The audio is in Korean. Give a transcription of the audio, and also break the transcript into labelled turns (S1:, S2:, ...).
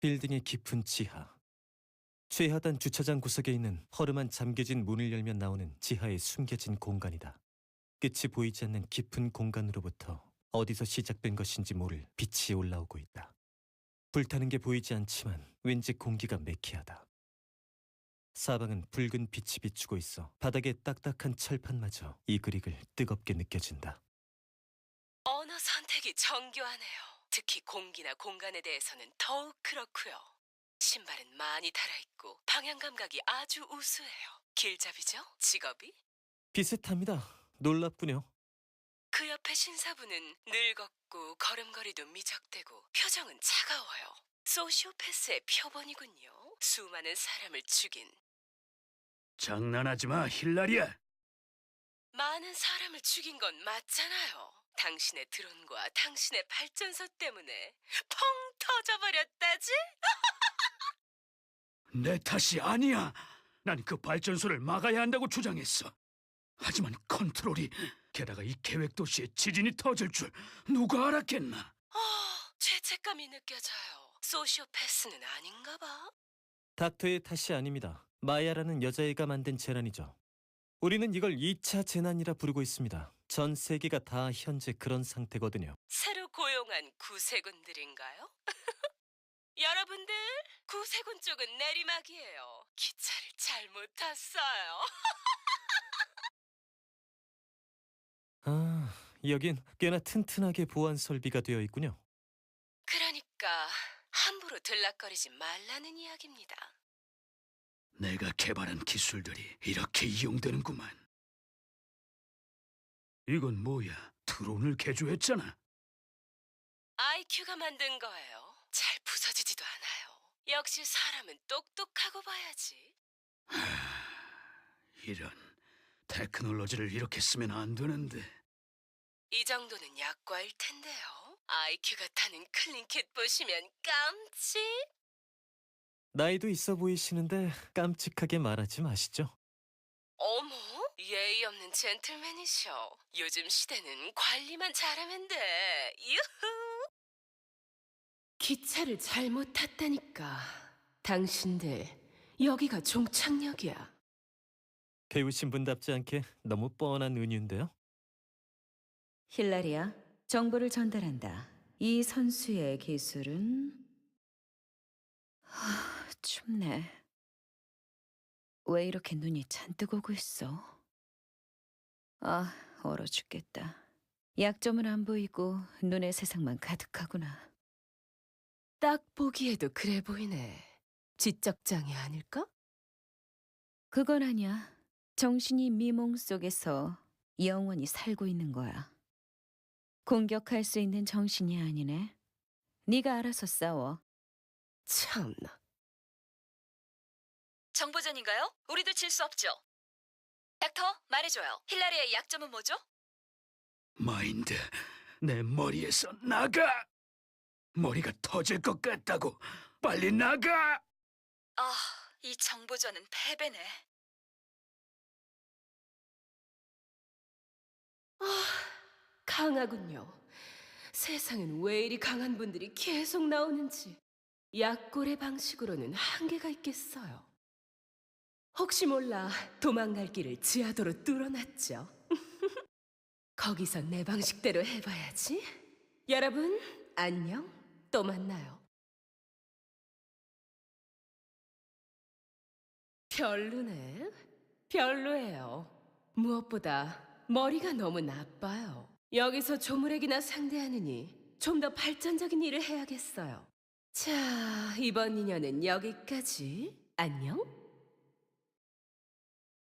S1: 빌딩의 깊은 지하. 최하단 주차장 구석에 있는 허름한 잠겨진 문을 열면 나오는 지하의 숨겨진 공간이다. 끝이 보이지 않는 깊은 공간으로부터 어디서 시작된 것인지 모를 빛이 올라오고 있다. 불타는 게 보이지 않지만 왠지 공기가 매캐하다. 사방은 붉은 빛이 비추고 있어 바닥에 딱딱한 철판마저 이글이글 뜨겁게 느껴진다.
S2: 언어 선택이 정교하네요. 특히 공기나 공간에 대해서는 더욱 그렇고요. 신발은 많이 달아있고 방향 감각이 아주 우수해요. 길잡이죠? 직업이?
S1: 비슷합니다. 놀랍군요.
S2: 그 옆에 신사부는 늙었고 걸음걸이도 미적대고 표정은 차가워요. 소시오패스의 표본이군요. 수많은 사람을 죽인.
S3: 장난하지 마, 힐라리아.
S2: 많은 사람을 죽인 건 맞잖아요. 당신의 드론과 당신의 발전소 때문에 펑 터져버렸다지?
S3: 내 탓이 아니야. 난 그 발전소를 막아야 한다고 주장했어. 하지만 컨트롤이, 게다가 이 계획 도시에 지진이 터질 줄 누가 알았겠나?
S2: 죄책감이 느껴져요. 소시오패스는 아닌가 봐.
S1: 닥터의 탓이 아닙니다. 마야라는 여자애가 만든 재난이죠. 우리는 이걸 2차 재난이라 부르고 있습니다. 전 세계가 다 현재 그런 상태거든요.
S2: 새로 고용한 구세군들인가요? 여러분들, 구세군 쪽은 내리막이에요. 기차를 잘못 탔어요.
S1: 아, 여긴 꽤나 튼튼하게 보안 설비가 되어 있군요.
S2: 그러니까 함부로 들락거리지 말라는 이야기입니다.
S3: 내가 개발한 기술들이 이렇게 이용되는구만. 이건 뭐야? 드론을 개조했잖아.
S2: IQ가 만든 거예요. 잘 부서지지도 않아요. 역시 사람은 똑똑하고 봐야지.
S3: 이런, 테크놀로지를 이렇게 쓰면 안 되는데.
S2: 이 정도는 약과일 텐데요. IQ가 타는 클린킷 보시면 깜찍.
S1: 나이도 있어 보이시는데 깜찍하게 말하지 마시죠.
S2: 어머, 예의 없는 젠틀맨이셔. 요즘 시대는 관리만 잘하면 돼. 유후. 기차를 잘못 탔다니까. 당신들, 여기가 종착역이야.
S1: 배우신 분답지 않게 너무 뻔한 은유인데요.
S4: 힐라리아, 정보를 전달한다. 이 선수의 기술은... 춥네. 왜 이렇게 눈이 잔뜩 오고 있어? 얼어 죽겠다. 약점은 안 보이고 눈의 세상만 가득하구나.
S2: 딱 보기에도 그래 보이네. 지적장애 아닐까?
S4: 그건 아니야. 정신이 미몽 속에서 영원히 살고 있는 거야. 공격할 수 있는 정신이 아니네. 네가 알아서 싸워.
S2: 참나.
S5: 정보전인가요? 우리도 질 수 없죠. 닥터, 말해줘요. 힐라리아의 약점은 뭐죠?
S3: 마인드, 내 머리에서 나가! 머리가 터질 것 같다고! 빨리 나가!
S5: 이 정보전은 패배네.
S2: 강하군요. 세상엔 왜 이리 강한 분들이 계속 나오는지. 약골의 방식으로는 한계가 있겠어요. 혹시 몰라 도망갈 길을 지하도로 뚫어놨죠. 거기서 내 방식대로 해봐야지. 여러분, 안녕. 또 만나요. 별로네. 별로예요. 무엇보다 머리가 너무 나빠요. 여기서 조물액이나 상대하느니 좀 더 발전적인 일을 해야겠어요. 자, 이번 인연은 여기까지. 안녕.